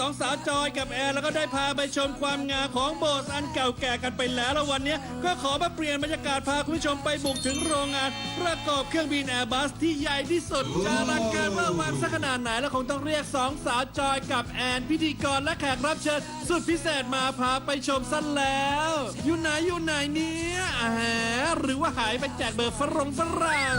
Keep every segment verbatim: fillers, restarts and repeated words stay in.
สาวจอยกับแอร์แล้วก็ได้พาไปชมความงามของโบสถ์อันเก่าแก่กันไปแล้วแล้ววันนี้ก็ขอมาเปลี่ยนบรรยากาศพาคุณผู้ชมไปบุกถึงโรงงานประกอบเครื่องบินแอร์บัสที่ใหญ่ที่สุดจะอลังการว่าวันสักขนาดไหนแล้วคงต้องเรียกสองสาวจอยกับแอนพิธีกรและแขกรับเชิญสุดพิเศษมาพาไปชมซะแล้วอยู่ไหนอยู่ไหนเนี่ยอาหาหรือว่าหายไปแจกเบอร์ฝรั่งฝรั่ง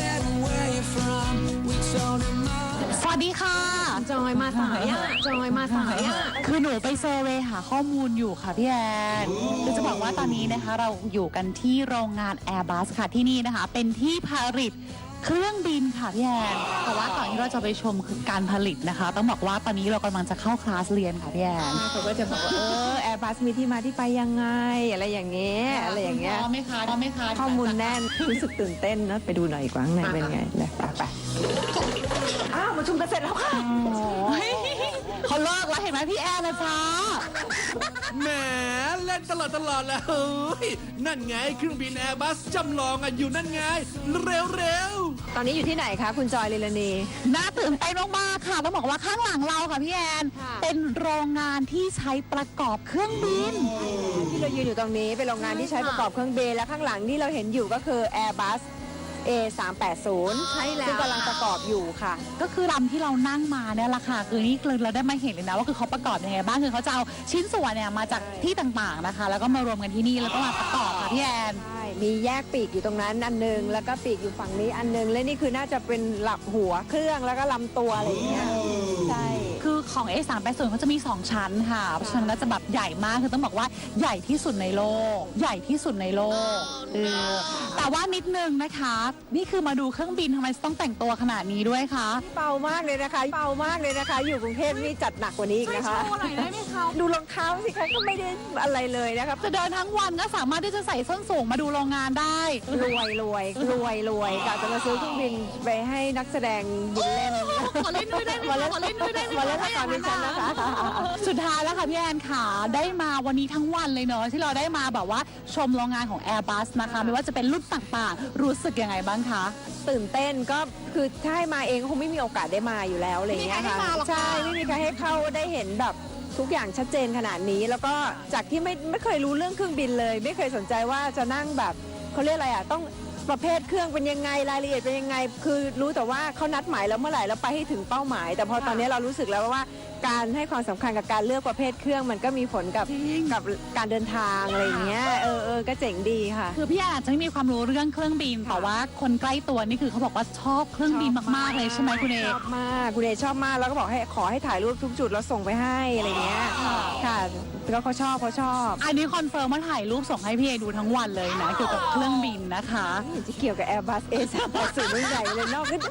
สวัสดีค่ะจอยมาสายอ่ะจอยมาสายอ่ะคือหนูไปเซอร์เวย์หาข้อมูลอยู่ค่ะพี่แอนคือจะบอกว่าตอนนี้นะคะเราอยู่กันที่โรงงาน Airbus ค่ะที่นี่นะคะเป็นที่ผลิตเครื่องบินค่ะพี่แอนแต่ว่าก่อนที่เราจะไปชมคือการผลิตนะคะต้องบอกว่าตอนนี้เรากำลังจะเข้าคลาสเรียนค่ะพี่แอนเขาก็จะบอกว่าเออแอร์บัสมีที่มาที่ไปยังไงอะไรอย่างเงี้ยอะไรอย่างเงี้ยพร้อมไหมคะพร้อมไหมคะข้อมูลแน่นรู้สึกตื่นเต้นนะไปดูหน่อยกว่าข้างในเป็นไงเลยไปไปอ้าวมาชุมกันเสร็จแล้วค่ะเขาเลิกแล้วเห็นไหมพี่แอนนะจ๊ะแหมเล่นตลอดตลอดแล้วเฮ้ยนั่นไงเครื่องบินแอร์บัสจำลองอ่ะอยู่นั่นไงเร็วเร็วตอนนี้อยู่ที่ไหนคะคุณจอยลิลานีน่าตื่นเต้นมากๆค่ะต้องบอกว่าข้างหลังเราค่ะพี่แอนเป็นโรงงานที่ใช้ประกอบเครื่องบินที่เรายืนอยู่ตรงนี้เป็นโรงงานที่ใช้ประกอบเครื่องบินและข้างหลังที่เราเห็นอยู่ก็คือ Airbus เอ สามแปดศูนย์ ใช่แล้วซึ่งกำลังประกอบอยู่ค่ะก็คือลำที่เรานั่งมาเนี่ยแหละค่ะคือนี่คือเราได้มาเห็นเลยนะว่าคือเขาประกอบยังไงบ้างคือเขาจะเอาชิ้นส่วนเนี่ยมาจากที่ต่างๆนะคะแล้วก็มารวมกันที่นี่แล้วก็มาประกอบค่ะพี่แอนใช่มีแยกปีกอยู่ตรงนั้นอันนึงแล้วก็ปีกอยู่ฝั่งนี้อันนึงและนี่คือน่าจะเป็นหลักหัวเครื่องแล้วก็ลำตัวอะไรอย่างเงี้ยใช่คือของ เอ สามแปดศูนย์ เขาจะมีสองชั้นค่ะเพราะฉะนั้นจะแบบใหญ่มากคือต้องบอกว่าใหญ่ที่สุดในโลกใหญ่ที่สุดในโลกเออแต่ว่านิดนึงนะคะนี่คือมาดูเครื่องบินทำไมต้องแต่งตัวขนาดนี้ด้วยคะเบามากเลยนะคะเบามากเลยนะคะอยู่กรุงเทพนี่จัดหนักกว่านี้อีกนะคะช่วยโชว์หน่อยได้ไหมคะดูรองเท้าสิคะก็ไม่ได้อะไรเลยนะคะจะเดินทั้งวันก็สามารถที่จะใส่ส้นสูงมาดูโรงงานได้รวยรวยรวยรวยกะจะมาซื้อเครื่องบินไปให้นักแสดงบินเล่นขอเล่นด้วยได้ไหมขอเล่นด้วยได้ไหมมาเล่นละครดิฉันนะคะสุดท้ายแล้วค่ะพี่แอนค่ะได้มาวันนี้ทั้งวันเลยเนอะที่เราได้มาแบบว่าชมโรงงานของ Airbus นะคะไม่ว่าจะเป็นรุ่นต่างๆรู้สึกยังไงบ้างคะตื่นเต้นก็คือถ้าให้มาเองก็คงไม่มีโอกาสได้มาอยู่แล้วอะไรอย่างเงี้ยค่ะใช่ไม่มีใครให้เข้าได้เห็นแบบทุกอย่างชัดเจนขนาดนี้แล้วก็จากที่ไม่ไม่เคยรู้เรื่องเครื่องบินเลยไม่เคยสนใจว่าจะนั่งแบบเขาเรียกอะไรอ่ะต้องประเภทเครื่องเป็นยังไงรายละเอียดเป็นยังไงคือรู้แต่ว่าเขานัดหมายแล้วเมื่อไหร่แล้วไปให้ถึงเป้าหมายแต่พอตอนนี้เรารู้สึกแล้วว่าการให้ความสำคัญกับการเลือกประเภทเครื่องมันก็มีผลกับกับการเดินทางอะไรอย่างเงี้ยเออเออก็เจ๋งดีค่ะคือพี่อาจจะไม่มีความรู้เรื่องเครื่องบินแต่ว่าคนใกล้ตัวนี่คือเขาบอกว่าชอบเครื่องบินมากๆเลยใช่ไหมคุณเอชอบมากคุณเอชอบมากแล้วก็บอกให้ขอให้ถ่ายรูปทุกจุดแล้วส่งไปให้อะไรเงี้ยค่ะแล้วเขาชอบเขาชอบอันนี้คอนเฟิร์มว่าถ่ายรูปส่งให้พี่เอดูทั้งวันเลยนะเกี่ยวกับเครื่องบินนะคะจะเกี่ยวกับ Airbus เอ สามแปดศูนย์รุ่นใหญ่เลยนอกก็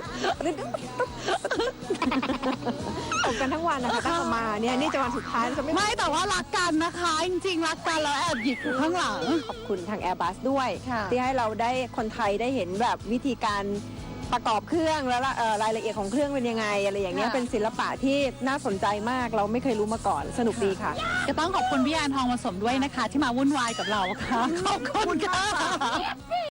ตกกันทั้งวันนะคะตั้งมาเนี่ยนี่จะวันสุดท้ายจะไม่ไม่แต่ว่ารักกันนะคะจริงๆรักกันแล้วแอบหยิบอยู่ข้างหลังขอบคุณทาง Airbus ด้วยที่ให้เราได้คนไทยได้เห็นแบบวิธีการประกอบเครื่องแล้วรายละเอียดของเครื่องเป็นยังไงอะไรอย่างเงี้ยเป็นศิลปะที่น่าสนใจมากเราไม่เคยรู้มาก่อนสนุกดีค่ะก็ต้องขอบคุณพี่แอนทองผสมด้วยนะคะที่มาวุ่นวายกับเราค่ะขอบคุณค่ะ